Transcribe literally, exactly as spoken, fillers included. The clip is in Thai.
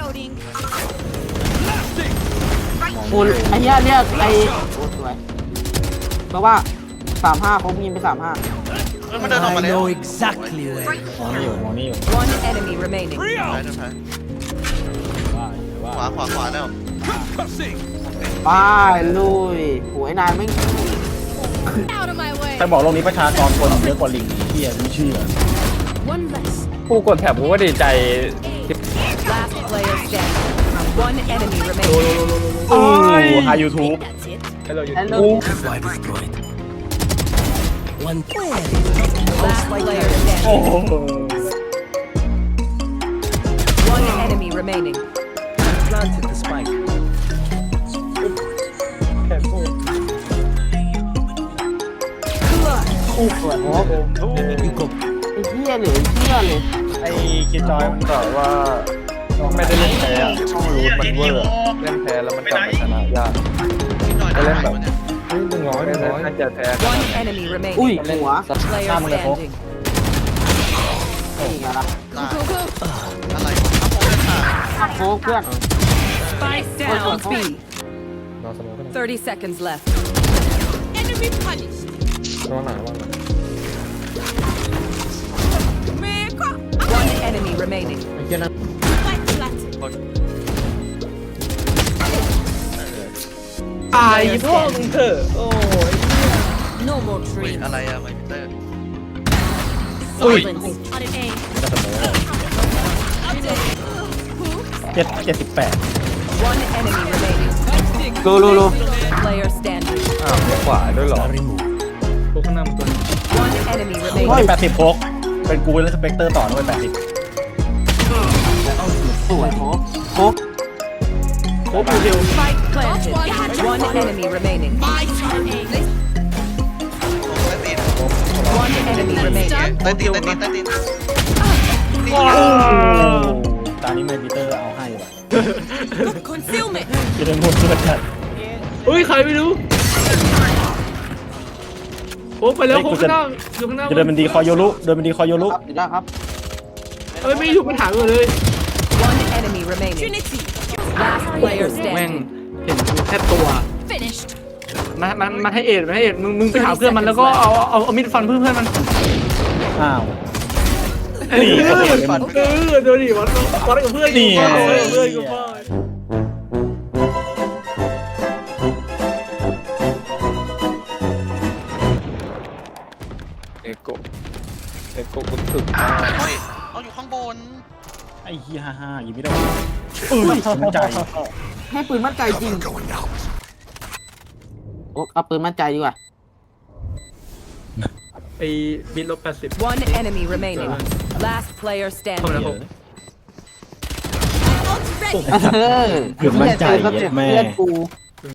โอ้ไอ้เหี้ยเรียกไอ้โอ้สวยเพราะว่าสามห้าเขายิงไปสามห้ามันเดินออกมา I แล้ว know exactly where. มองนี่อยู่มองนี่อยู่ One enemy remaining. ซ้ายเดินซ้ายว่าว่าขวาขวาขวาแล้วไปลุยโหยนายไม่ Out of my way. ใครบอกโลกนี้ประชากรคนเยอะกว่าลิงเฮียไม่เชื่อ One less. กูกดแถบกูก็ดีใจที่ Last player standing. One enemy โอ้ remaining. โหไฮยูทูบ That's it. ให้เราอยู่ฮัลโหล Why destroyed? One Last player โอ้ standing. โห One enemy remaining. planted the spike. แค่พูดอู้สวยโอ้ You go. ไอ้เหี้ยเหลือเชื่อเลยไอ้คิดจอยมันบอกว่าไม่ได้เล่นแพ้อะต้องรู้มันเวอร์เล่นแพ้แล้วมันกลับมาชนะยากพี่หน่อยได้ไหมวะเนี่ยหนึ่งร้อยหนึ่งร้อยน่าจะแพ้ One enemy อุ้ย remaining. หัว Player Come on, Lepo. standing. นี่ไงล่ะตาย Go, go. อะไรครับผมเลยค่ะโค้กเพื่อน Spike down B. รอเสมอกัน Thirty seconds left. Enemy punished. รอหนาว่าหนา Man, come. One enemy remaining. ไอ้เหี้ยนั่น Fight planted. ตายพ่อมึงเถอะโอ้ย No more เฮ้ย dreams. อะไรอะไมเตอร์ Silence. On an A. จะเสมอ Update. Who? เจ็ดเจ็ดสิบแปด One enemy remaining. โลโลโล Player standing. อ้าวขวาด้วยเหรอ Remove. พวกข้างหน้ามันตัว One enemy เฮ้ย remaining. แปดสิบโคกเป็นกูและสเปกเตอร์ต่อด้วยแปดสิบสวยโค้กโค้กโอ้ปูเดียว Spike planted. One enemy remaining. My turn. A. One enemy remaining. ใต้ตีนใต้ตีนใต้ตีนตอนนี้เมดิเตอร์เอาให้ว่ะ Concealment. จะได้หมดเพื่อนกันเฮ้ยใครไม่รู้โอ้ไปแล้วโค้งข้างหน้าอยู่ข้างหน้าจะเดินเป็นดีคอยโยรุเดินเป็นดีคอยโยรุครับอยู่ได้ครับเอ้ยไม่ถูกปัญหาเลย One enemy remaining. Trinity. Last player แม่ง standing. เห็นแค่ตัว Finished. มันมันมันให้เอ็ดมันให้เอ็ดมึงมึงไปหาเพื่อนมันแล้วก็เอาเอาเอามีดฟันเพื่อนเพื่อนมันอ้าวนี่นี่ก็เห็นฟันเออดูดิวัดวัดกับเพื่อนอยู่วัดกับเพื่อนอยู่พ่อ เอโกเอโกกุตึกเฮ้ยเอาอยู่ข้างบนไอ้เฮียฮ่าฮ่ายิงไม่ได้เออสนใจให้ปืนมั่นใจจริงโอ้เอาปืนมั่นใจดีกว่าไอ้บิดลบแปดสิบ One enemy remaining. Last player เข้ามา standing. แล้วเออคือมั่นใจเหี้ยเจอสเต็ปแม่เพื่อนกู